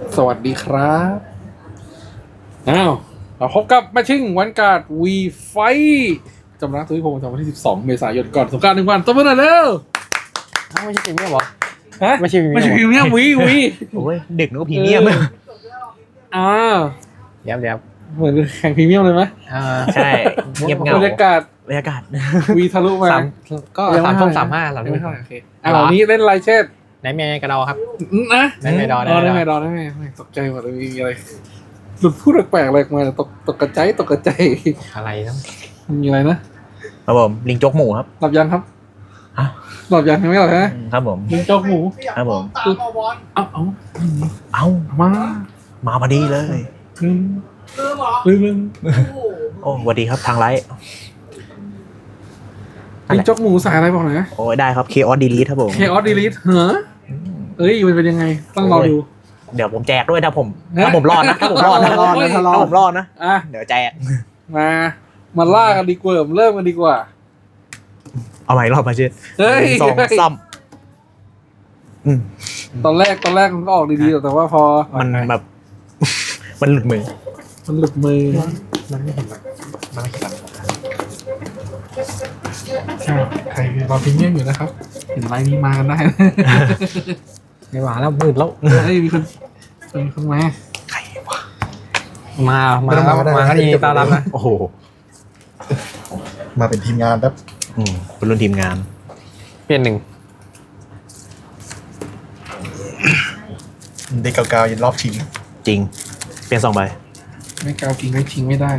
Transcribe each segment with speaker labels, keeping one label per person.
Speaker 1: สวัสดีครับอ้าวเราพบกับแมชชิ่งวันการ์ดวีไฟจำนักทุกพงศ์วันที่12 เมษายนก่อนสงกรานต์1 วันต้นเมื่อไหร่เร็ว
Speaker 2: ไม่ใช่พรีเมียมหรอ
Speaker 1: ฮะ
Speaker 2: ไม่ใช่พรีเมียม
Speaker 1: ไม่ใช่พรีเมียมวี
Speaker 3: โอ้ยดึกนึกว่าพรีเมียม
Speaker 1: อ่า
Speaker 2: เดี๋ยว
Speaker 1: เหมือนแข่งพรีเมียมเลยไหม
Speaker 3: ใช่เงียบเงา
Speaker 1: บรรยากาศ
Speaker 3: บรรยากาศ
Speaker 1: วีทะลุมา
Speaker 2: สามก็
Speaker 1: ยังไม่
Speaker 2: 3
Speaker 1: เท่า
Speaker 2: ส้ม
Speaker 1: ไหร่
Speaker 2: 35
Speaker 1: ยังไม่เท่าไหร่
Speaker 2: 35
Speaker 1: โอเควันนี้เล่นไลเชต
Speaker 2: ไหนเมียกระดอครับ
Speaker 1: นะ
Speaker 2: ได้ไหมดอได้
Speaker 1: ได้
Speaker 2: ไห
Speaker 1: ไห
Speaker 2: ม
Speaker 1: ม
Speaker 2: ด
Speaker 1: ด
Speaker 2: อ
Speaker 1: อได้ไหมตกใจหมดเลยมีอะไรหลุดพูดแปลกๆอะไรออกมาตกกระใจตกกระใจ
Speaker 2: อะไรนะ
Speaker 1: มีอะไรนะครับ
Speaker 3: ผมลิงโจ๊กหมูครับ
Speaker 1: หลับยังครับ
Speaker 3: ฮะ
Speaker 1: หลับยังไม่หลับฮะ
Speaker 3: ครับผม
Speaker 1: ยิงโจ๊กหมู
Speaker 3: ครับผม
Speaker 1: เอา
Speaker 3: เอ้า
Speaker 1: มา
Speaker 3: มาพอดีเลย
Speaker 1: ลืม
Speaker 3: โอ้สวัสดีครับทางไลฟ์
Speaker 1: ยิงโจ๊กหมูสายอะไรบอกหน่อยนะ
Speaker 3: โอ้ยได้ครับ Chaos Delete ครับผม
Speaker 1: เคออสดีลิทเหรอเอ้ยมันเป็นยังไงต้องรอดู
Speaker 3: เดี๋ยวผมแจกด้วยถ้าผม
Speaker 1: นะ
Speaker 3: ถ้าผมรอดนะถ้าผมรอดนะ
Speaker 1: รอดนะถ้ารอด
Speaker 3: ถ้าผมรอดนะ
Speaker 1: อ่ะ
Speaker 3: เดี๋ยวแจก
Speaker 1: มาล่ากันดีกว่าเริ่มกันดีกว่า
Speaker 3: เอาใหม่รอบมาเช่
Speaker 1: เฮ้ย
Speaker 3: สองซ้ำ
Speaker 1: ตอนแรกมันก็ออกดีๆแต่ว่าพอ
Speaker 3: มันแบบ มันหลุดมือ
Speaker 1: มันหลุดมือ
Speaker 2: มันไม่เห็นมันไม่เห็น
Speaker 1: ใครรอพิมพ์เงียบอยู่นะครับเห็นไลน์นี้มากันได้
Speaker 2: ไม่หวานแล้วมืดแล้ว
Speaker 1: เฮ้ยมีคนมา
Speaker 3: ใครวะ
Speaker 2: มาก็ดีต้อนรับนะ
Speaker 3: โอ้โห
Speaker 4: มาเป็นทีมงานครับ
Speaker 3: เป็นรุ่นทีมงาน
Speaker 2: เปลี่ยนหนึ่ง
Speaker 4: เด็กเก่าๆยันรอบชิง
Speaker 3: จริง เปลี่ยน2 ใบ
Speaker 1: ไม่กาวจริงไม่ทิ้งไม่ได้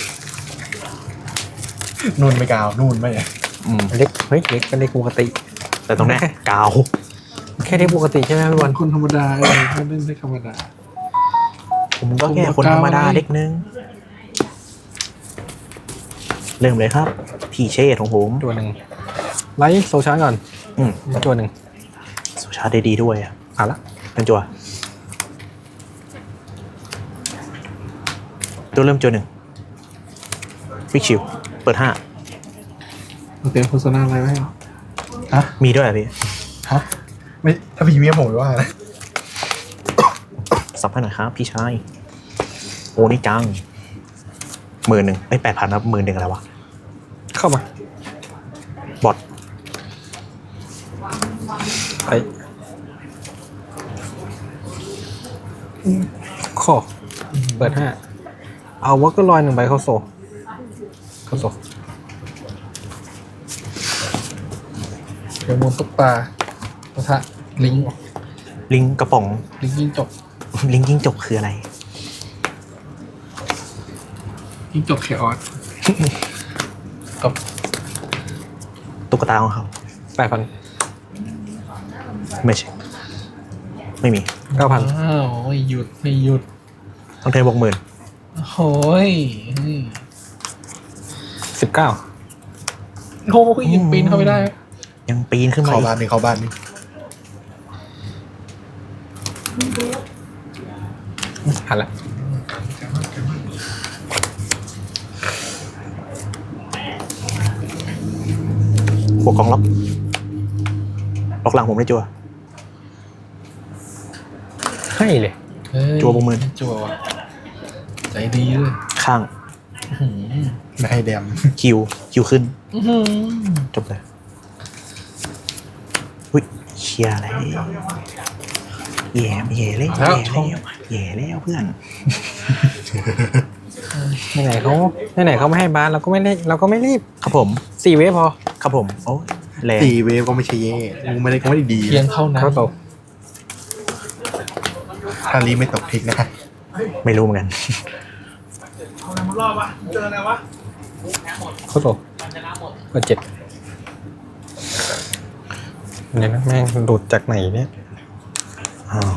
Speaker 4: นู่นไม่กาวนู่นไม่
Speaker 2: เล็กเฮ้ยเล็กเป็นเล็กปกติ
Speaker 3: แต่ตรงเนี้ยกาว
Speaker 2: แค่เล็กปกติใช่ไหมพี่บอล
Speaker 1: คนธรรมดาก็เล่นได้ธรรมดา
Speaker 3: ผมก็แค่คนธรรมดาเล็กนึง เริ่มเลยครับ พี่เชษของผม
Speaker 2: ตัวหนึ่งไลท์โซชาร์ก่อน
Speaker 3: อืม
Speaker 2: ตัวหนึ่ง
Speaker 3: สุชาติได้ดีด้วยอ่ะ
Speaker 2: ผ่านละ
Speaker 3: เป็นจัวตัวเริ่มจัว1ฟิกชิวเปิด
Speaker 1: มันเป็นโฆษณาอะไรไหม
Speaker 4: ฮะ
Speaker 3: 5 มีด้วยอ่ะพี่
Speaker 4: ฮะไม่ถ้าพรีเมียมผมไม่ว่านะ
Speaker 3: สับให้หน่อยครับ พี่ชาย โอ้นี่จัง10,000ไอ้8,000ครับ10,000อะไรวะ
Speaker 2: เข้ามา
Speaker 3: บอท
Speaker 2: ไปข้อเปิด5เอาวอลก็ลอย1 ใบเข้าโซ
Speaker 1: เดี๋ยวมนตุ๊กตาปะทะลิงก์
Speaker 3: ลิงกระป๋อง
Speaker 1: ลิงก์ยิงจบ
Speaker 3: ลิงกิ้งจกคืออะไร
Speaker 1: ยิงจบเคออสกับ
Speaker 3: ตุ๊กตาของเขา
Speaker 2: 8,000
Speaker 3: ไม่ใช่ ไม่มี
Speaker 2: 9,000
Speaker 1: อ้าวไม่หยุด
Speaker 3: ต้องเทบวก10,000
Speaker 1: โอ้ย
Speaker 2: 19
Speaker 1: โอ้ยยังปีนเข้าไปได้
Speaker 3: ยังปีนขึ้นมา
Speaker 4: เข้า
Speaker 3: อีก
Speaker 4: บ้านนี่เข้าบ้านนี่
Speaker 2: หันละ
Speaker 3: บวกกองล็อกหลังผมได้จัว
Speaker 2: ให้เลย
Speaker 3: จั่วบวก10,000
Speaker 1: จั่วว่ะใจดีเลย
Speaker 3: ข้าง
Speaker 4: ไม่ให้แดม
Speaker 3: คิวขึ้น จบเลยอุ้ยเชียร์อะไรแย่เลยแย่แล้วเพื่อน
Speaker 2: ไหนๆเขาไม่ให้บาสเราก็ไม่รีบ
Speaker 3: ครับผม
Speaker 2: 4 เวฟพอ
Speaker 3: ครับผมโอ้ยแรง
Speaker 4: ตีเวฟก็ไม่ใช่เย่มึงไม่ได้ดี
Speaker 1: เพียงเท่านั้น
Speaker 2: เข้าโซ
Speaker 4: ถ้ารีไม่ตกทิกนะ
Speaker 3: ไม่รู้เหมือนกัน
Speaker 2: เข้าโซเปิด7เนี่ยนะแม่งหลุดจากไหนเนี่ย
Speaker 3: อ้าว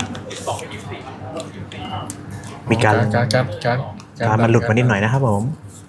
Speaker 3: มีการมันหลุดมานิดหน่อยนะครับผม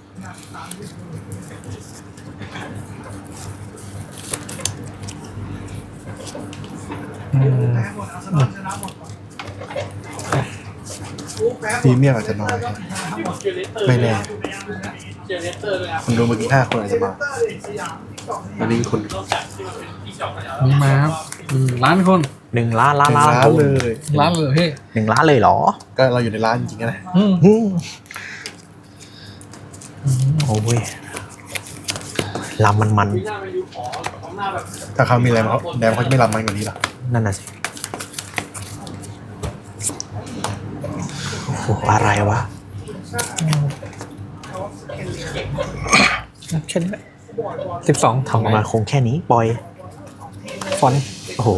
Speaker 4: พรีเมียมอาจจะน้อยไม่แน่คนดูเมื่อกี้5 คนอาจจะมาอันนี้คน
Speaker 1: มีมาครับล้านคน
Speaker 3: 1 ล้านล้าน
Speaker 4: ร้า
Speaker 3: ล้าน
Speaker 4: นเลย
Speaker 1: ร้านเลยพี่
Speaker 3: 1 ล้านเลยเหรอ
Speaker 4: ก็เราอยู่ในร้านจริงๆนะ
Speaker 3: อืมโอ้ยลำมัน
Speaker 4: ถ้าเขามีแรมเขาจะไม่รับมันกว่านี้หรอ
Speaker 3: นั่นน่ะสิโอ้โหอะไรวะ
Speaker 2: แค่นี้แหละ12
Speaker 3: ทำออกมาคงแค่นี้ปล่อย
Speaker 2: ฟอนต์
Speaker 3: โอ้โห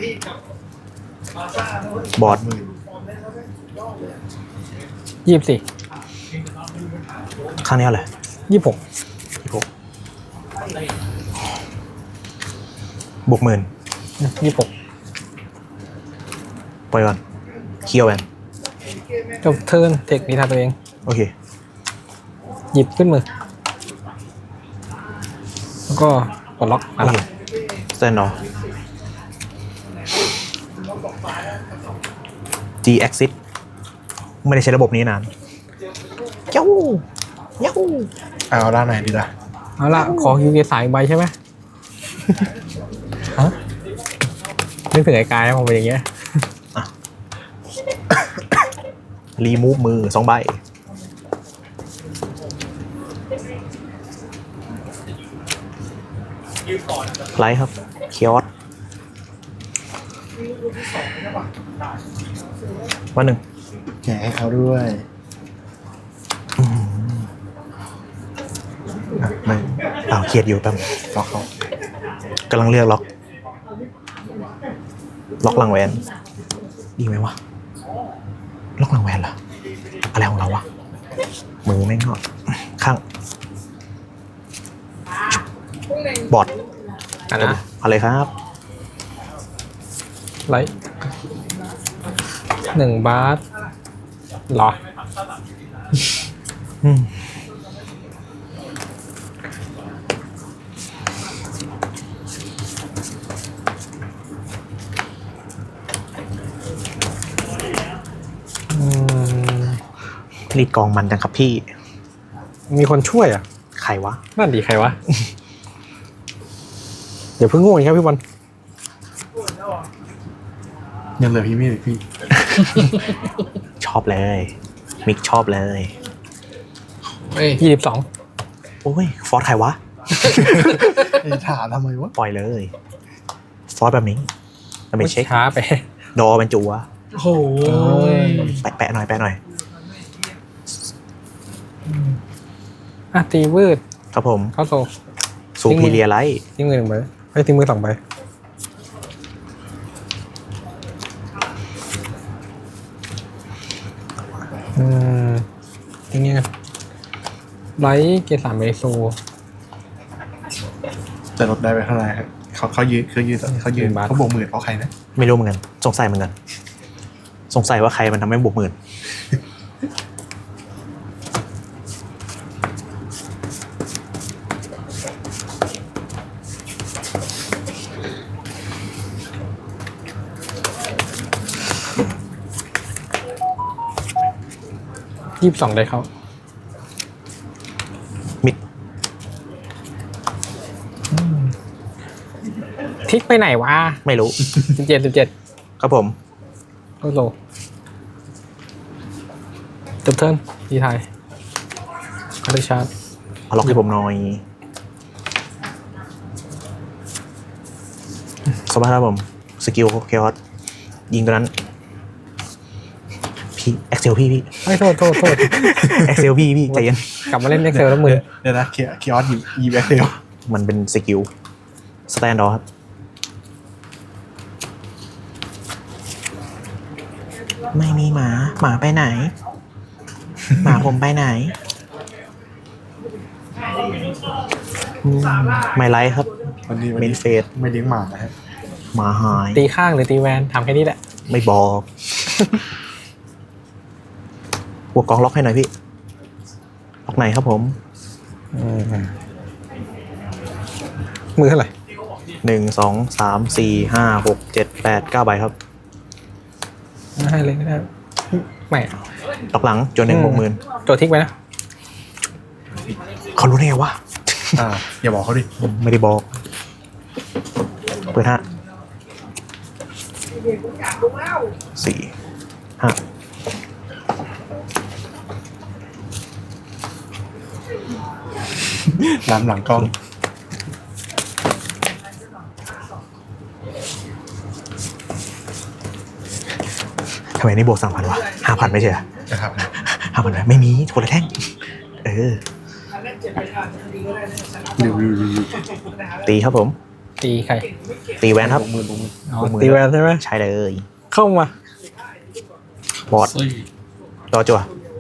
Speaker 3: บอร์ด
Speaker 2: 24
Speaker 3: ข้างนี้อะไร
Speaker 2: 26
Speaker 3: บวก 10,000
Speaker 2: 26
Speaker 3: ปล่อยก่อนเคียวแวน
Speaker 2: จบเทิร์นเทคนิทาตัวเอง
Speaker 3: โอเค
Speaker 2: หยิบขึ้นมือ แล้วก็กดล็อก
Speaker 3: โอเคสแตนดอร์ G Exit ไม่ได้ใช้ระบบนี้นานเย้าเย้า
Speaker 4: เอาด้านไหนดีล่ะ
Speaker 2: เอาละขอคิวเกสายอีกใบใช่ไหมฮะนึกถึงไอ้กายนะผมเป็นอย่างเงี้ย
Speaker 3: รีมูฟมือ 2 ใบ ไลท์ครับ เคียสวันหนึ่ง
Speaker 4: แจกให้เขาด้วยไม่
Speaker 3: เครียดอยู่แป๊บ
Speaker 4: ล็อกเขา
Speaker 3: กำลังเลือกล็อก ล็อกหลังแหวน ดีไหมวะ ล็อกหลังแหวนเหรอ อะไรของเราวะ มือแม่งก็ข้าง บอด
Speaker 2: อ่ะนะ
Speaker 3: อะไรครับ
Speaker 2: ไลท์1 บาทเหรอ
Speaker 3: อืมรีดกองมันจังครับพี่
Speaker 2: มีคนช่วยอ่ะ
Speaker 3: ใครวะ
Speaker 2: นั่นดีใครวะ เดี๋ยวเพิ่งง่วงครับพี่บอล
Speaker 4: ยังเหลือพี่มีอีกพี่
Speaker 3: ชอบเลย มิกชอบเลย
Speaker 1: เฮ้ย
Speaker 2: 22
Speaker 3: โอ้ย ฟอร์สใครวะ
Speaker 4: ไอ้ถามทำไมวะ
Speaker 3: ปล่อยเลย ฟอร์สแบบนี้เราไปเช็ค
Speaker 2: ช้าไป
Speaker 3: ดอเป็นจัว
Speaker 1: โอ้ย
Speaker 3: แปะหน่อยแปะหน่อย
Speaker 2: อ่ะตีวืด
Speaker 3: ครับผม
Speaker 2: เข้าโซ
Speaker 3: ซูพีเรียไลท์
Speaker 2: ทิ้งมือ1 ใบให้ทิ้งมือ2 ใบทิ้งยังไงไลท์เกส3 เมโซ
Speaker 4: แต่ลดได้ไปเท่าไหร่ครับเขายืนเขาบวกหมื่นเพราะใครนะ
Speaker 3: ไม่รู้เหมือนกันสงสัยเหมือนกัน สงสัยว่าใครมันทำให้บวก 10,000
Speaker 2: 22ได้เข้า
Speaker 3: มิด
Speaker 2: ทิกไปไหนวะ
Speaker 3: ไม่รู้
Speaker 2: 17
Speaker 3: ครับผม
Speaker 2: เข้าโซจบเทิร์นดีไทยเขาได้ชาร์จ
Speaker 3: เอาล็อกให้ผมหน่อยสบายครับผม สกิลเคออสยิงตัวนั้น พี่เอ็กเซลพี่
Speaker 2: ไม่โทษ
Speaker 3: เอ็กเซลพี่ใจเย็น
Speaker 2: กลับมาเล่นเอ็กเซลแล้วมือ
Speaker 4: เดี๋ยวนะคีออสยีแบ็คเทล
Speaker 3: มันเป็นสกิลสแตนดอร์ครับ ไม่มีหมาไปไหน หมาผมไปไหนไม่ไลท์ครับ
Speaker 4: วันนี้
Speaker 3: เมนเฟส
Speaker 4: ไม่เลี้ยงหมานะฮะ
Speaker 3: หมาหาย
Speaker 2: ตีข้างหรือตีแวนทำแค่นี้แหละ
Speaker 3: ไม่บอกบวกกองล็อกให้หน่อยพี่ ล็อกไหนครับผม
Speaker 2: มือเท่าไหร่
Speaker 3: 1 2 3 4 5 6 7 8 9 ใบครับ
Speaker 2: ให้เลยก็ได้ไม่
Speaker 3: ล็อกหลังจน1 60,000
Speaker 2: โจทิกไปนะ
Speaker 3: เขารู้ได้ไงวะ
Speaker 4: อย่าบอกเขาดิ
Speaker 3: ไม่ได้บอกเปิดฮะสี่ห้า
Speaker 4: น้ำหลังกล้อง
Speaker 3: ทำไมนี่บวก3,000วะ5,000ไม่ใช่เหรอ
Speaker 4: นะครับ
Speaker 3: 5,000ไหมไม่มีคนละแท่ง
Speaker 4: รีวิว
Speaker 3: ตีครับผม
Speaker 2: ตีใคร
Speaker 3: ตีแวนครับ
Speaker 2: อ๋อตีแวนใช่ไหม
Speaker 3: ใช่เลย
Speaker 2: เข้ามา
Speaker 3: บอด
Speaker 1: ซี่
Speaker 3: รอจั่ว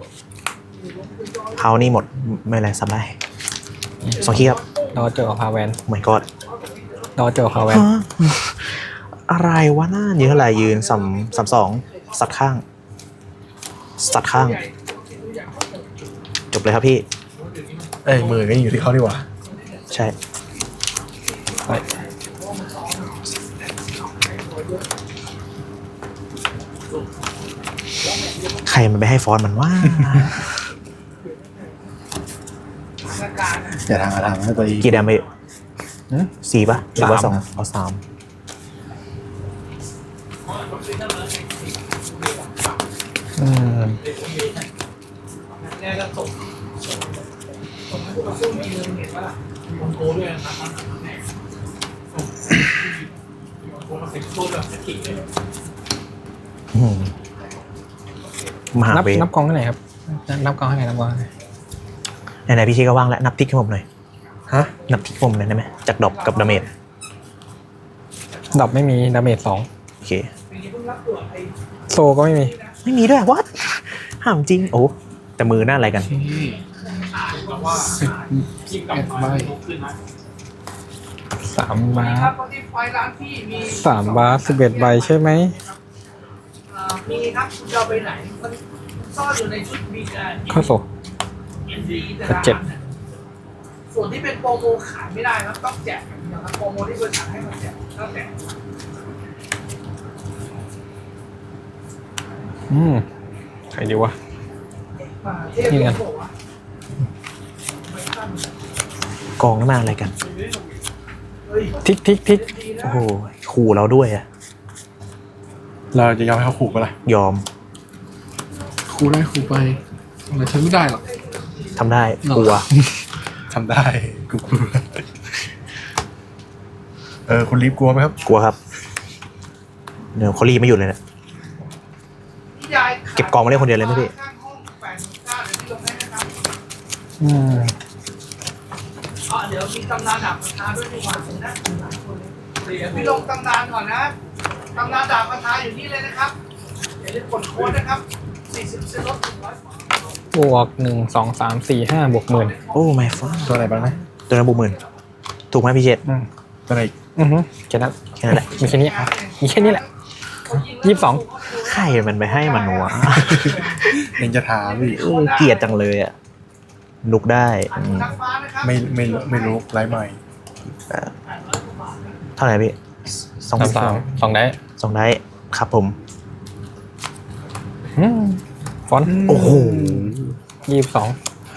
Speaker 3: เขานี่หมดไม่เป็นไรซับได้2 คีย์ครับ
Speaker 2: ดอเจอพาแวน
Speaker 3: เหมือนกอด
Speaker 2: ดอเจอพาแวน
Speaker 3: อะไรวะหน้ายืนเท่าไหร่ยืน3-2สัดข้างสัดข้าง จบเลยครับพี่
Speaker 4: เอ้ยมือก็อยู่ที่เขาดีกว่า
Speaker 3: ใช่
Speaker 2: ไป
Speaker 3: ใครมันไปให้ฟอนต์มันว่า
Speaker 4: อย่าทำให้ตัวเอง
Speaker 3: กี่แดมไป4 ป่ะหรือว่า
Speaker 2: 3
Speaker 3: 2เอา3มหา
Speaker 2: นับ
Speaker 3: เวท
Speaker 2: นับกองให้ไหนครับนับกองให้ไหนนับกองให้ไหน
Speaker 3: ไหนๆพี่ชีก็ว่างแล้วนับทิกให้ผมหน่อย
Speaker 4: ฮะ
Speaker 3: นับทิกผมหน่อยได้ไหมจากดรอปกับดาเมจ
Speaker 2: ดอกไม่มีดาเมจ2
Speaker 3: โอเค
Speaker 2: โซก็ไม่มี
Speaker 3: ไม่มีด้วยวัดห้ามจริงโอ้แต่มือหน้าอะไรกัน
Speaker 1: 11 ใบ
Speaker 2: 3 บาส3 บาส11 ใบใช่ไหม
Speaker 5: มีครับคุณจะเอาไปไหนมันซ่อนอยู่ในชุดบีก
Speaker 2: เข้าโซ เจ็บ
Speaker 5: ส่วนที่เป็นโปรโมขายไม่ได้ครับต้องแจกอย่างเดียวครับโปรโมที่บริษัทให้มาแจกต้องแจก
Speaker 2: ใครดีวะ
Speaker 5: เทพ
Speaker 2: นี่ไง
Speaker 5: บอกว่าก
Speaker 3: องหน้าอะไรกัน
Speaker 2: ทิกทิกทิก
Speaker 3: โอ้โหขู่เราด้วยอะ
Speaker 4: เราจะยอมให้เขาขู่ปะล่ะ
Speaker 3: ยอม
Speaker 1: ครูได้ครูไปอะไรฉันไม่ได้หรอก
Speaker 3: ทำได้กลัว
Speaker 4: ทำได้กูกลัวคุณรีบกลัวไหมครับ
Speaker 3: กลัวครับเดี๋ยวเขารีบไม่หยุดเลยเนะ
Speaker 5: พี่ยาย
Speaker 3: เก็บกองมาเล่นคนเดียวเลยไหมพี่
Speaker 5: ข้างห้อง89เดี๋ยวพี่ลงให้นะครับ เดี๋ยวมีตำนานดาบคาถาด้วยดีกว่าผมน่าสนใจคนเลยเดี๋ยวพี่ลงตำนานก่อนนะตำนานดาบคาถาอยู่นี่เลยนะครับอย่าลืมกดโค้ดนะครับ40%ลด100
Speaker 2: บวก1 2 3 4 5บวก10,000
Speaker 3: โอ้ไม่ฟ้า
Speaker 4: ตัวไหนบ้างนะ
Speaker 3: ตัวนั้นบุกหมื่นถูกไหมพี่เจษ
Speaker 4: ตัวไหนอีก
Speaker 2: แค่นั้น
Speaker 3: แค่นั้นแหละ
Speaker 2: มีแค่นี้มีแค่นี้แหละ 22
Speaker 3: ใครมันไปให้มันวะ
Speaker 4: ยังจะถามอีก
Speaker 3: เกลียดจังเลยอะลุกได้
Speaker 5: นักฟ้านะครับ
Speaker 4: ไม่รู้ไร้ใหม่
Speaker 3: เท่าไหร่พี่
Speaker 2: 3 3
Speaker 3: 2
Speaker 2: 2ได้
Speaker 3: 2 ได้ครับผม
Speaker 2: ฟอนต์
Speaker 3: โอ้โห
Speaker 2: 22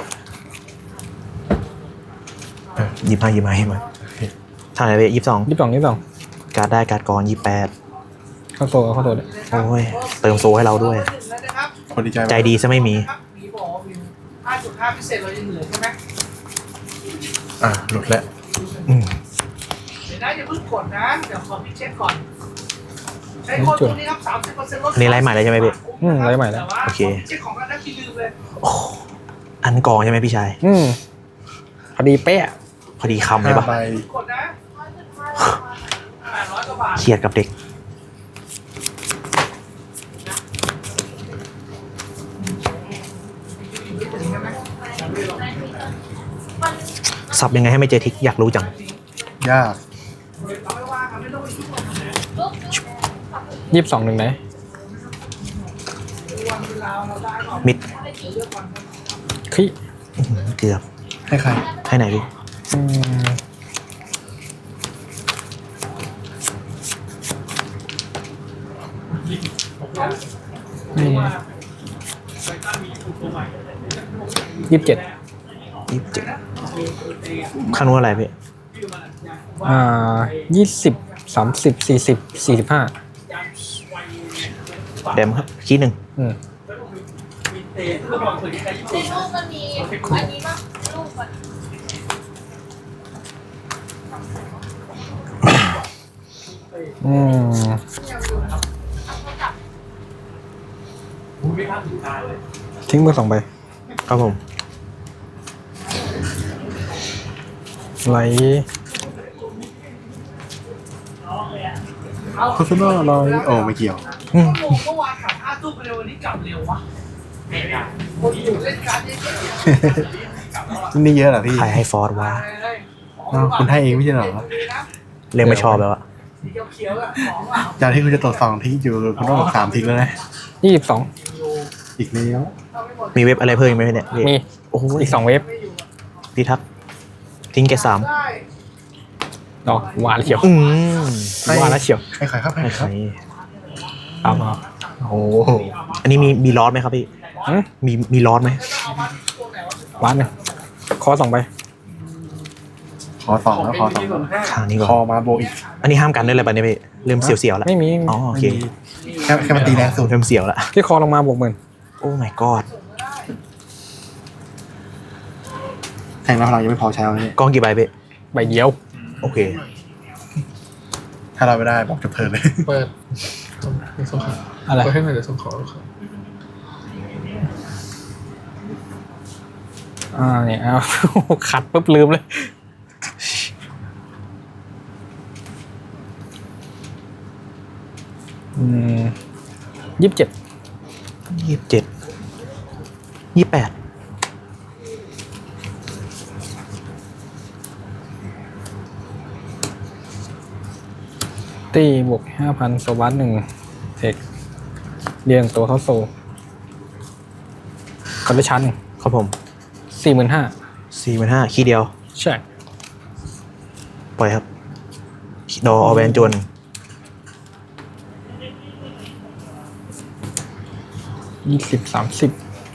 Speaker 3: 25เท่าไหร่พี่22
Speaker 2: 22
Speaker 3: การ์ดได้การ์ดกร28
Speaker 2: เข้าโซเข้าโซเลย
Speaker 3: โอ้ยเติมโซให้เราด้วย
Speaker 4: คนดีใจ
Speaker 3: ใจดีซะไม่มี
Speaker 5: ครับมีบอกว่ามี5.5พิเศษเรายังเหลือใช่ไหม
Speaker 4: หลุดแล้ว
Speaker 3: อืม
Speaker 5: เดี๋ยวนะอย่าเพิ่งกดนะเดี๋ยวขอพี่เช็คก่อนใช้โค้ดตัวนี้ครับ30%ลด
Speaker 3: อันนี้ไลฟ์ใหม่เลยใช่ไหมพี่
Speaker 2: ไลฟ์ใหม่แล้ว
Speaker 3: โอเค
Speaker 5: เช็คของกันนะพี่ลืมเลย
Speaker 3: โอ้อันกองใช่ไหมพี่ชาย
Speaker 2: พอดีเป๊ะ
Speaker 3: พอดีคำเลยปะ
Speaker 4: 5 ใบ
Speaker 5: กดนะ800 กว่าบาท
Speaker 3: เครียดกับเด็ก สับยังไงให้ไม่เจอทิกอยากรู้จัง
Speaker 4: ยาก
Speaker 5: เอาไม่ว่ากันไม่ต้องไปยุ่งกับมัน
Speaker 2: 22หนึ่งไหน
Speaker 5: วันเวลาเราได้ก่อน
Speaker 3: มิด
Speaker 2: คลิ
Speaker 3: เกือบ
Speaker 4: ให้ใคร
Speaker 3: ให้ไหนพี่
Speaker 2: 27
Speaker 3: 27ข้างนู้นอะไรพี่
Speaker 2: 20 30 40 45
Speaker 3: แดมครับคีย์หนึ่ง
Speaker 6: ในรูปมันมีอันนี้ป่ะรูปมัน
Speaker 2: ทิ้งมือ2 ใบ
Speaker 3: ครับผม
Speaker 2: ไหล
Speaker 4: โฆษณาอะไรโอ้ไม่เกี่ยว
Speaker 5: เมื่อวานขับ5 ทุ่มไปเร็ววันนี้กลับเร็ววะคนอยู่เล่นการ์ดเยอะ
Speaker 4: นี่เยอะเหรอพี่
Speaker 3: ใครให้ฟอร์ดวะ
Speaker 4: อ้าวคุณให้เองไม่ใช่เหรอ
Speaker 3: เรียกไม่ชอบแล้วอะ
Speaker 5: สีเขียวๆอะของอ่ะ
Speaker 4: จากที่คุณจะตรวจ2 ทิ้งอยู่คุณต้องตรวจ3 ทิ้งแล้วนะ
Speaker 2: 22
Speaker 4: อีกแล้ว
Speaker 3: มีเว็บอะไรเพิ่มอีกไหมเนี่ยพี่
Speaker 2: มี
Speaker 3: โอ้โห
Speaker 2: อีก2 เว็บ
Speaker 3: พี่ทักษ์ทิ้งแก3
Speaker 5: ได้
Speaker 2: ดอกหวานเฉียว
Speaker 3: ให้
Speaker 2: หวานแล้วเฉียว
Speaker 4: ให้ใครครับให้
Speaker 3: ให้
Speaker 4: ใคร
Speaker 3: ใค
Speaker 4: ค
Speaker 3: ร
Speaker 4: รับ
Speaker 2: เอามา
Speaker 3: โอ้โหอันนี้มีลอสไหมครับพี่ มีลอสไหม
Speaker 2: หวานเนี่ยคอ2 ใบ
Speaker 4: ขอ2แล้วขอ2
Speaker 3: ทางนี้
Speaker 4: ค
Speaker 3: ก่
Speaker 4: อ
Speaker 3: อน
Speaker 4: มาโบอีก
Speaker 3: อันนี้ห้ามกันด้วยอะไรปะเนี่ยพี่เริ่มเสียวๆแล้ว
Speaker 2: ไม่มี
Speaker 3: อ๋อโอเค
Speaker 4: แค่มันตีแรงสุด
Speaker 3: เริ่มเสียวแล้ว
Speaker 2: ที่คอลงมาบวก
Speaker 3: โอ้ my god
Speaker 4: แทงแล้วพลังยังไม่พอใช้แล้วเนี่ย
Speaker 3: กองกี่ใบพี่
Speaker 2: 10,000 ใบเดียว
Speaker 3: โอเค
Speaker 4: ถ้าเราไม่ได้บอกจะเพลินเลย
Speaker 1: เปิดส่งขอ
Speaker 2: อะไร
Speaker 1: เปิดให้หน่อยเดี๋ยวส่งขอลูกค้า
Speaker 2: เนี่ยเอา ขัดปุ๊บลืมเลย 27
Speaker 3: 27 28
Speaker 2: ตีบวก 5,000 สวัสด1เทคเรียงตัวเข้าโซคอนดิชัน
Speaker 3: ครับผม
Speaker 2: 45,000
Speaker 3: 45,000คีย์เดียว
Speaker 2: ใช่
Speaker 3: ปล่อยครับ ดออแวนจวน
Speaker 2: 20-30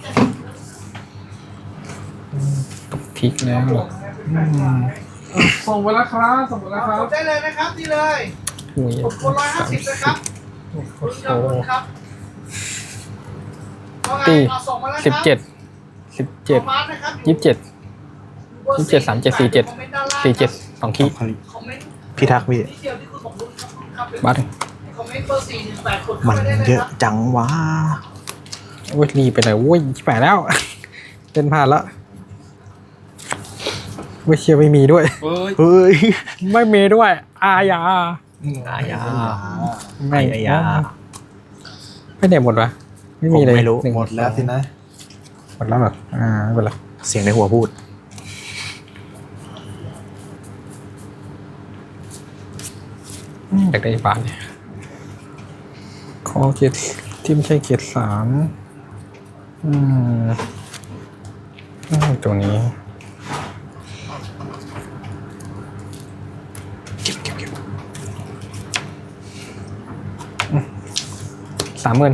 Speaker 2: ตกทิกแล้ว
Speaker 1: ส่งไปแล้วครับส่งไปแล้วครับ
Speaker 5: ได้เลยนะครับนี่เลย
Speaker 2: อุ้ย
Speaker 5: กดคน150นะครับคุณยอดคุณครับว่าไงเอาส่งมาแล้วครับ
Speaker 2: 17
Speaker 5: มานะครับ
Speaker 2: 27 27 37 47 47 2 คีย์
Speaker 5: คอมเมนต์
Speaker 3: พี่ทักษ์พี่
Speaker 5: นิดเดียวที่คุณบอกครับ
Speaker 2: บัตร
Speaker 5: คอมเมนต์เบอร์48กดเข้า
Speaker 3: มัน
Speaker 5: ไปได้เลย
Speaker 3: เยอะ
Speaker 5: ครับ
Speaker 3: จังวะ
Speaker 2: โอ้ยรีบไปไหนโอ้ยแปดแล้ว เล่นพลาดละเว้ยเชียร์ไม่มีด้วย
Speaker 3: เฮ้ย
Speaker 2: ไม่มีด้วย อาญา
Speaker 3: อายา
Speaker 2: ไม่
Speaker 3: อายา
Speaker 2: ไม่ได้หมดวะไม่มีเลย
Speaker 3: ผมไม่รู้
Speaker 2: นึ่ง
Speaker 4: หมดแล้วสินะ
Speaker 2: หมดแล้วเหรอไม่เป็นไร
Speaker 3: เสียงในหัวพูด
Speaker 2: อยากได้บาทเนี่ยขอเกียรติที่ไม่ใช่เกียรติ3ตัวนี้ 30,000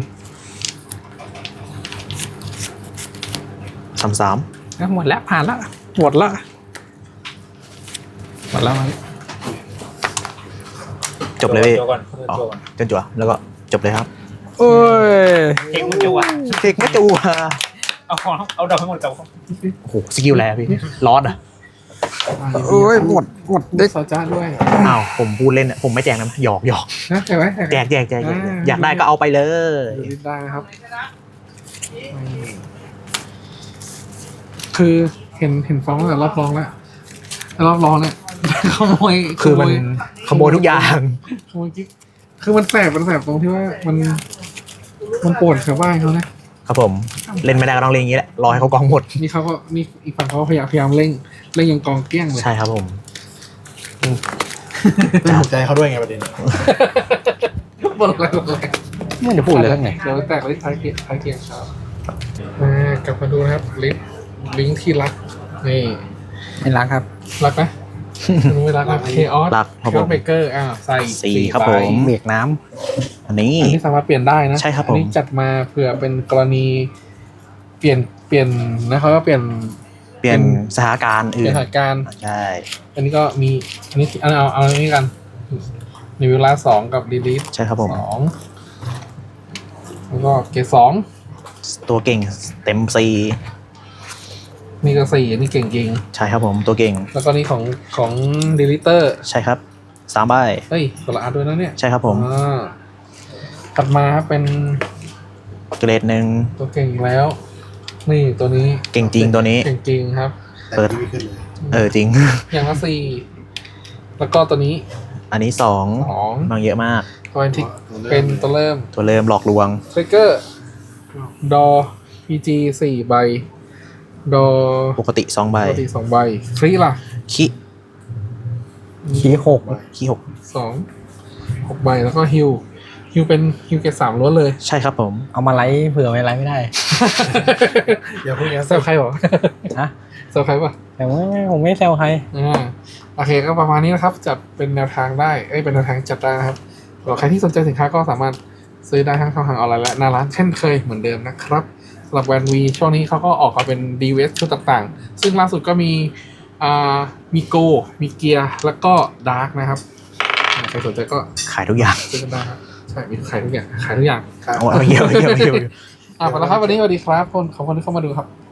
Speaker 3: 33
Speaker 2: หมดแล้วผ่านแล้วหมดแล้วหมดแล้ว
Speaker 3: จบเลยพี่อ๋อจนจั่วแล้วก็จบเลยครับ
Speaker 2: โอ้ย
Speaker 3: เทคไม่จั่วเทคไม่จั่ว
Speaker 7: เอาดอกทั้งหมดกับ
Speaker 3: โอ้โหสกิลอะไรอะพี่ลอสอ่ะ
Speaker 2: โอ้ยหมด
Speaker 1: ได้ซอจ้าด้วย
Speaker 3: อ้าวผมพูดเล่นอะผมไม่แจกนะหยอกหยอก
Speaker 1: นะใช่ไหม
Speaker 3: แจกอยากได้ก็เอาไปเลย
Speaker 1: ดูได้นะครับ คือเห็นฟ้องตั้งแต่รอบรองแล้วรอบรองเนี่ย ขโมย
Speaker 3: คือมันขโมยทุกอย่าง
Speaker 1: ขโมยกิ๊กคือมันแสบตรงที่ว่ามันปวดชาวบ้านเขานะครับ
Speaker 3: ผมเล่นไม่ได้ก็ต้องเล่นอย่างนี้แหละรอให้เขากองหมด
Speaker 1: นี่เขาก็นี่อีกฝั่งเขาก็พยายามเร่งยังกองเกลี้ยงเลย
Speaker 3: ใช่ครับผม
Speaker 4: ไม่ถูกใจเขาด้วยไงประเด็น
Speaker 1: บนอะไร
Speaker 2: ไม่ได้พูดเลยทั้งไหน
Speaker 1: เดี๋ยวแตกลิฟต์ท้ายเกียร์ครับกลับมาดูนะครับลิงก์ที่รักนี่
Speaker 2: ไม่รักครับ
Speaker 1: รักไหมไม่รักครับเคออส
Speaker 3: รักครับผม
Speaker 1: เบเกอร์ใส่
Speaker 3: สี่ครับ
Speaker 1: ใ
Speaker 3: ผม
Speaker 2: เบรกน้
Speaker 3: อันนี้
Speaker 1: อันนี้สามารถเปลี่ยนได้นะ
Speaker 3: ใช่ครับผม
Speaker 1: อันนี้จัดมาเผื่อเป็นกรณีเปลี่ยนนะครับก็เปลี่ยน
Speaker 3: เปลี่ยนสถานการณ์
Speaker 1: เป
Speaker 3: อื่
Speaker 1: ลี่ย
Speaker 3: น
Speaker 1: นสถานการณ์
Speaker 3: ใช่
Speaker 1: อันนี้ก็มีอันนี้เอาอันนี้กันในเวลา2กับรีลีฟ
Speaker 3: ใช่ครับผม
Speaker 1: 2 แล้วก็เกรดสอง
Speaker 3: ตัวเก่งเต็มซี
Speaker 1: นี่ก็สี่นี่เก่งจริง
Speaker 3: ใช่ครับผมตัวเก่ง
Speaker 1: แล้วก็นี่ของดีลิเตอร์
Speaker 3: ใช่ครับ3ใบ
Speaker 1: เฮ้ยคนละอันด้วยนะเนี่ย
Speaker 3: ใช่ครับผม
Speaker 1: ถัดมาครับเป็น
Speaker 3: เกรดหนึ่ง
Speaker 1: ตัวเก่งอีกแล้ว นี่ตัวนี้
Speaker 3: เก่งจริงตัวนี้
Speaker 1: เก่งจริงครับ
Speaker 4: แต่
Speaker 3: เปิด
Speaker 4: ที่ไม่ขึ้นเลย
Speaker 3: จริง
Speaker 1: อย่างละสี่แล้วก็ตัวนี้
Speaker 3: อันนี้2
Speaker 1: สอง
Speaker 3: บางเยอะมาก
Speaker 1: ตัวแอนทิกเป็นตัวเริ่ม
Speaker 3: ตัวเริ่มหลอกลวง
Speaker 1: ทริกเกอร์ดอ PG 4 ใบ ดอ
Speaker 3: ปกติ2ใบ
Speaker 1: ปกติ2 ใบฟรีล่ะ
Speaker 3: คิ
Speaker 2: ขี้หก
Speaker 3: คิ
Speaker 1: 6 ใบแล้วก็ฮิวเป็นฮิวเกต3ล้วนเลย
Speaker 3: 6ใช่ครับผม
Speaker 2: เอามาไลฟ์เผื่อไว้ไลฟ์ไม่ได้
Speaker 4: อย่าพูดอย่าง
Speaker 1: แซวใครเหรอ
Speaker 2: ฮะ
Speaker 1: แซวใครปะ
Speaker 2: แต่ว่าผมไม่แซวใคร
Speaker 1: โอเคก็ประมาณนี้นะครับ จัดเป็นแนวทางได้เป็นแนวทางจัดได้นะครับสำหรับใครที่สนใจสินค้าก็สามารถซื้อได้ทั้งช่องทางออนไลน์และหน้าร้านเช่นเคยเหมือนเดิมนะครับสำหรับแวนวีช่วงนี้เขาก็ออกมาเป็น DVS ชุดต่างๆ ซึ่งล่าสุดก็มีโกมีเกียร์แล้วก็ดาร์กนะครับใครสนใจก็
Speaker 3: ขายทุกอย่าง
Speaker 1: ซื้อกันได้ครับใช่มีขายทุกอย่างขายทุกอย่าง
Speaker 3: เอาเยอะ
Speaker 1: ไปแล้วครับวันนี้สวัสดีครับขอบคุณที่เข้ามาดูครับ